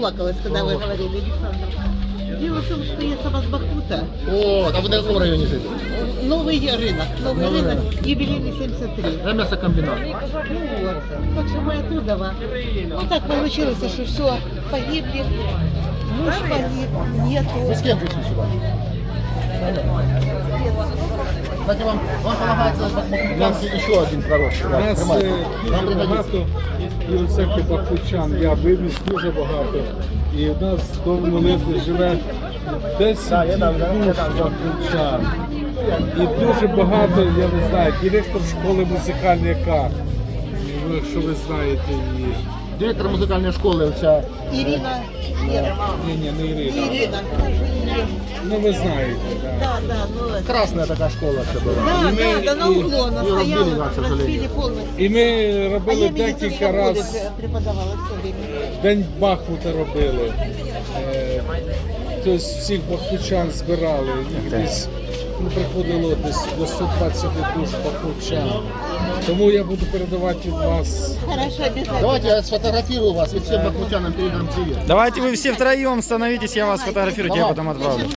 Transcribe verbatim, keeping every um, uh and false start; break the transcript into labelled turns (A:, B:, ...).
A: расплакалась, когда вы говорили, Александр. Дело в том, что я сама с Бахмута.
B: О, а ви на якому районі живете?
A: Новый рынок, новый
B: Новый
A: рынок,
B: рынок.
A: юбилейный семьдесят три.
B: Я м'ясокомбінат.
A: Ну вот, так что мы оттуда. Ну так получилось, что все, погибли. Муж погиб,
B: Ви
A: нету.
B: з ким прийшли сюди? Кстати, вам, вам полагается бахмутянський ще один пророк.
C: У нас е,
B: Вам
C: дуже
B: пригодиться.
C: багато і у церкві бахмутчан. Я вивіз дуже багато. І в нас в дому молитви живе десять душ бахмутчан. І дуже багато, я не знаю, директор школи музикальної яка, ну, якщо ви знаєте її.
B: Директор музикальної школи, оця
A: Ирина, Ира.
C: Ні, ні, не Ірина.
A: Ирина, как же ее?
C: Ну ви знаєте, так.
A: Да, да, ну это.
B: красна така школа це була.
A: Да,
C: И мы-
A: да, да, на
C: и-
A: углу она
B: и разбили,
A: стояла,
B: да, к сожалению.
A: разбили полностью.
C: І ми
A: А я
C: робили
A: медицинском
C: декілька
A: школе
C: разів.
A: преподавала все время.
C: День Бахмута робили. Е, Тобто всіх бахмутчан збирали. Їх десь ну, приходило десь до сто двадцять душ бахмутчан. Тому я буду передавати від вас.
A: Хорошо, обязательно.
B: Давайте я сфотографирую вас и всем бахмутянам передам привет.
D: Давайте вы все втроем становитесь, я вас фотографирую, я потом отправлю.